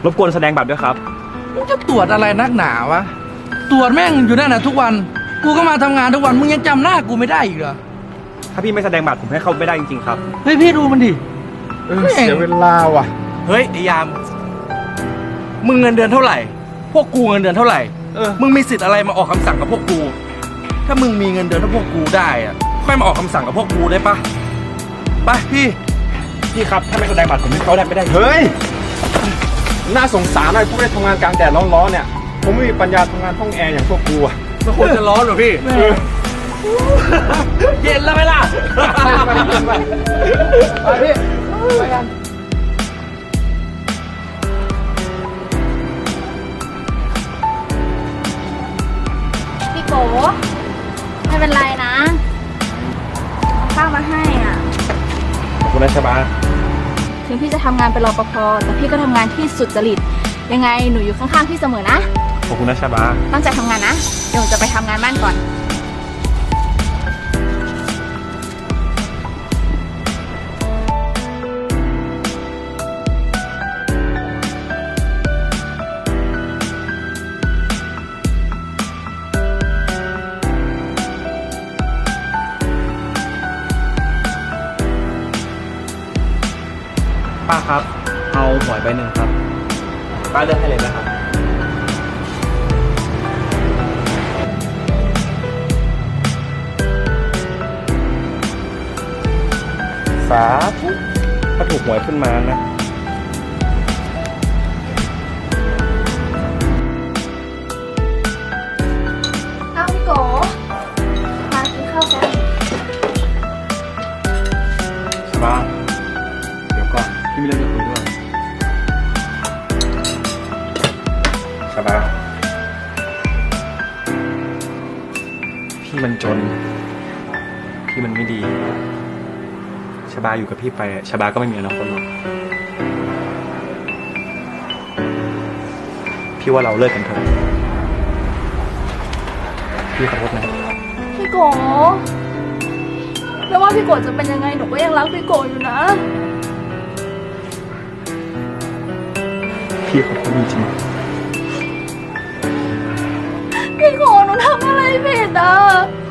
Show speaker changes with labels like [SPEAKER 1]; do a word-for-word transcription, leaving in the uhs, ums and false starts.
[SPEAKER 1] รบกวนแสดงบัตรด้วยครับ
[SPEAKER 2] มึงจะตรวจอะไรนักหนาวะตรวจแม่งอยู่นั่นน่ะทุกวันกูก็มาทำงานทุกวันมึงยังจำหน้ากูไม่ได้อีกเหรอ
[SPEAKER 1] ถ้าพี่ไม่แสดงบัตรผมให้เข้าไม่ได้จริงๆครับ
[SPEAKER 2] เฮ้ยพี่ดูมันดิ
[SPEAKER 3] เออเสียเวลาว่ะ
[SPEAKER 4] เฮ้ยไอ้ยามมึงเงินเดือนเท่าไหร่พวกกูเงินเดือนเท่าไหร่เออมึงมีสิทธิ์อะไรมาออกคำสั่งกับพวกกูถ้ามึงมีเงินเดือนเท่าพวกกูได้อะค่อยมาออกคำสั่งกับพวกกูได้ปะไปพี่
[SPEAKER 1] พี่ครับถ้าไม่แสดงบัตรผมให้เข้าได้ไม่ได้
[SPEAKER 3] เฮ้ยน่าสงสารหน่อยพวกได้ทำงานกลางแดดร้อนๆเนี่ยผมไม่มีปัญญาทำงานห้องแอร์อย่างพวกกูอะ
[SPEAKER 4] มันคงจะร้อนเหรอพี่เย็นแล้วไหมล่ะ
[SPEAKER 3] ไปพี่ไปกัน
[SPEAKER 5] พี่โกไม่เป็นไรนะเอาข้าวมาให้อ่ะ
[SPEAKER 1] ขอบคุณนะชบา
[SPEAKER 5] ถึงพี่จะทำงานเป็นรปภแต่พี่ก็ทำงานที่สุจริตยังไงหนูอยู่ข้างๆพี่เสมอนะ
[SPEAKER 1] ขอบคุณนะชบา
[SPEAKER 5] ตั้งใจทำงานนะเดี๋ยวหนูจะไปทำงานบ้านก่อน
[SPEAKER 1] ป้าครับเอาหวยใบหนึ่งครับป้าเลือกให้เลยนะครับสาธุถ้าถูกหวยขึ้นมานะ
[SPEAKER 5] เอาพี่โกมากินข้าวกัน
[SPEAKER 1] ชบาเดี๋ยวก่อนพี่มีเรื่องจะคุยด้วยชบาพี่มันจนพี่มันไม่ดีชบาอยู่กับพี่ไปชบาก็ไม่มีอนาคตหรอกพี่ว่าเราเลิกกันเถอะพี่ขอโทษนะ
[SPEAKER 5] พี่โกไม่ว่าพี่โกจะเป็นยังไงหนูก็ยังรักพี่โกอยู่นะ
[SPEAKER 1] พี่ขอโทษจริง
[SPEAKER 5] พี่โกหนูทำอะไรผิดอ่ะ